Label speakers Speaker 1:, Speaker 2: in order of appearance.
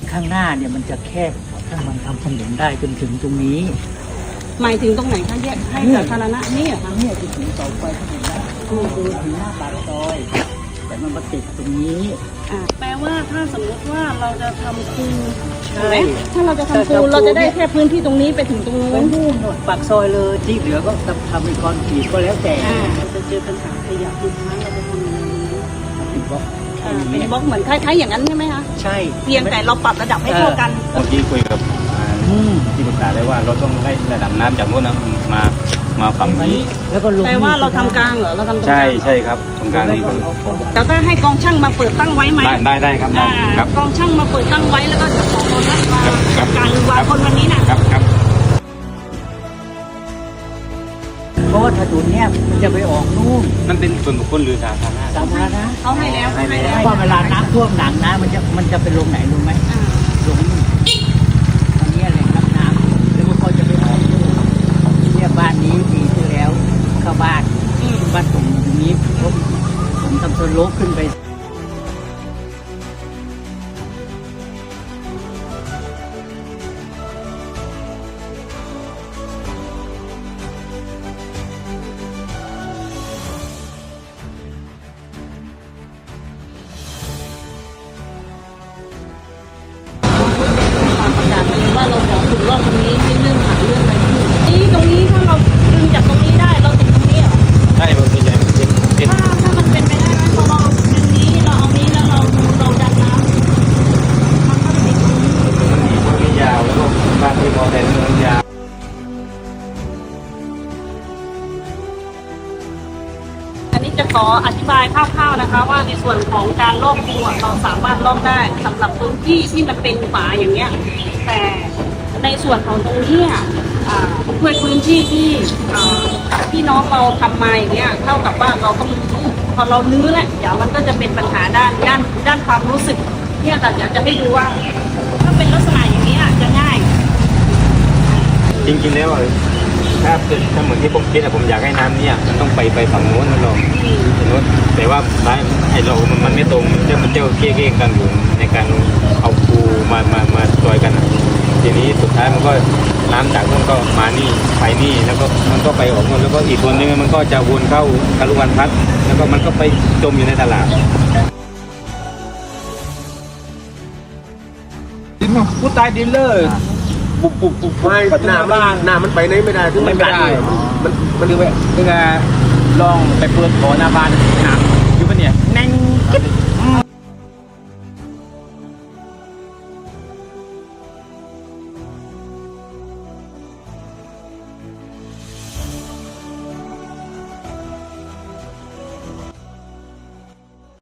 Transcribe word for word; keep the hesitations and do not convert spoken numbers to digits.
Speaker 1: ข้างหน้าเนี่ยมันจะแคบถ้ามันทำถนนได้จนถึงตรงนี้
Speaker 2: หมายถึงตรงไหนคะแยกให้สาธารณะนี่เหรอ
Speaker 1: ทา
Speaker 2: คะ
Speaker 1: งเนี่ยจะถึงเสาไฟถนนได้คือดูถึงหน้าปากซอย แต่มันมาติดตรงนี้
Speaker 2: อ่าแปลว่าถ้าสมมติว่าเราจะทำคูถูก
Speaker 1: ใช่
Speaker 2: ไหมถ้าเราจะทำคูเราจะได้แค่พื้นที่ตรงนี้ไปถึงตรงนู้
Speaker 1: ไป
Speaker 2: น
Speaker 1: นู่นหมดปากซอยเลยที่เหลือก็ทำเป็นคอนกรีตก็แล้วแต่
Speaker 2: อ่าจะเจอปัญหาขยะทุกครั้งเราจะทำยังไงดี
Speaker 1: เป็นบล็อก
Speaker 2: อ่าเป็นบล็อกเหมือนคล้ายๆอย่างนั้นใช่ไหมคะ
Speaker 1: ใช่
Speaker 2: เพียงแต่เราปรับระดับให้เท่ากัน
Speaker 3: เมื่อกี้คุยกับอ่า
Speaker 1: อืม
Speaker 3: ที่ปรึกษาได้ว่าเราต้องไล่ระดับน้ำจากโน้นนะมามาฝั่งนี้
Speaker 1: แล้วก็ลง
Speaker 2: แปลว่าเราทำกลางเหรอเราทำตรงก
Speaker 3: ใช่
Speaker 2: ลาง
Speaker 3: ใช่ครับตรงกลางนี่คือ
Speaker 2: แต่ถ้าให้กองช่างมาเปิดตั้งไว้ไหม
Speaker 3: ได้ได้ได้ครับได้
Speaker 2: อ่า
Speaker 3: ครับ
Speaker 2: กองช่างมาเปิดตั้งไว้แล้วก็จะขอคนนัดมา
Speaker 3: ครับครั
Speaker 2: จั
Speaker 3: บ
Speaker 2: ดการหรือวางคนวันนี้น่ะ
Speaker 3: ครับครับ
Speaker 1: เพราะว่าถนนเนี่ยมันจะไปออกนู่น
Speaker 3: มันเป็นส่วนบุคคลหรือสาธารณะ
Speaker 1: สาธารณะ
Speaker 2: เขาให้แล้วเขาให้แล้ว
Speaker 1: เพราะเวลาน้ำท่วมหนักนะมันจะมันจะไปลงไหนรู้ไหม
Speaker 2: อ่า
Speaker 1: ลงนู่นอันนี้แหล่งรับน้ำแล้วก็เขาจะไปออกนู่นเนี่ยบ้านนี้ปีที่แล้วเข้าบ้าน
Speaker 2: อืม
Speaker 1: บ้านผมตรงนี้ผมผมทำสโลปขึ้นไป
Speaker 2: ประกาศไปเลยว่าเราขอถึงรอบตรงนี้ที่เรื่องหาเรื่องอะไรนี่ตรงนี้ถ้าเราดึงจากตรงนี้ได้เราติดตรงนี้เหรอ
Speaker 3: ใช่มันเป็นใหญ่มันเป็นเป็น
Speaker 2: ถ้าถ้ามันเป็นไปได้ไหมพอเราดึงนี้เราเอานี้แล้วเราเราดันน้ำมันก็ติดตรงนี้
Speaker 3: มันมีต้นยาวแล้วก็บ้านที่พอแต่เนื้อยาว
Speaker 2: อันนี้จะขออธิบายคร่าวๆนะคะ ว่าในส่วนของการลอกคูอะเราสามารถลอกได้สำหรับพื้นที่ที่มันเป็นฝาอย่างเงี้ยแต่ในส่วนของตรงเนี้ยอ่าด้วยพื้นที่ที่อ่าพี่น้องเราทำมาอย่างเงี้ยเท่ากับว่าเราก็มีพอเราลื้อแล้วเดี๋ยวมันก็จะเป็นปัญหาด้านด้านด้านความรู้สึกเนี่ยแต่อยากจะให้ดูว่า ถ้าเป็นลักษณะอย่างนี้อะจะง่าย
Speaker 3: จริงๆแล้วอะถ้าเป็นถ้าเหมือนที่ผมคิดอะผมอยากให้น้ำเนี่ยมันต้องไปไปฝั่งโน้นนะเราฝั่งโน้นแต่ว่าร้านไอ้เรามันมันไม่ตรงมันจะมันเจ้าเกี้ยๆกันอยู่ในการเอาปูมามามาจอยกันอะทีนี้สุดท้ายมันก็น้ำจากโน้นก็มานี่ไปนี่แล้วก็มันก็ไปออกโน้นแล้วก็อีกคนนึงมันก็จะวนเข้าคารุวันพัฒน์แล้วก็มันก็ไปจมอยู่ในตลาด
Speaker 4: ดินผู้ตายดินเลยปุบปุบปุบ
Speaker 5: ไม่
Speaker 4: ปัจจุ
Speaker 5: หน้า
Speaker 4: บัน
Speaker 5: มัน
Speaker 4: บ้าน
Speaker 5: หน้ามันไปไหนไม่ได้ถึง
Speaker 4: ไม่
Speaker 5: มัน
Speaker 4: ได้
Speaker 5: มัน
Speaker 4: มันคือว่าคือลองไปเปิดบ่อหน้าบ้านน้ำ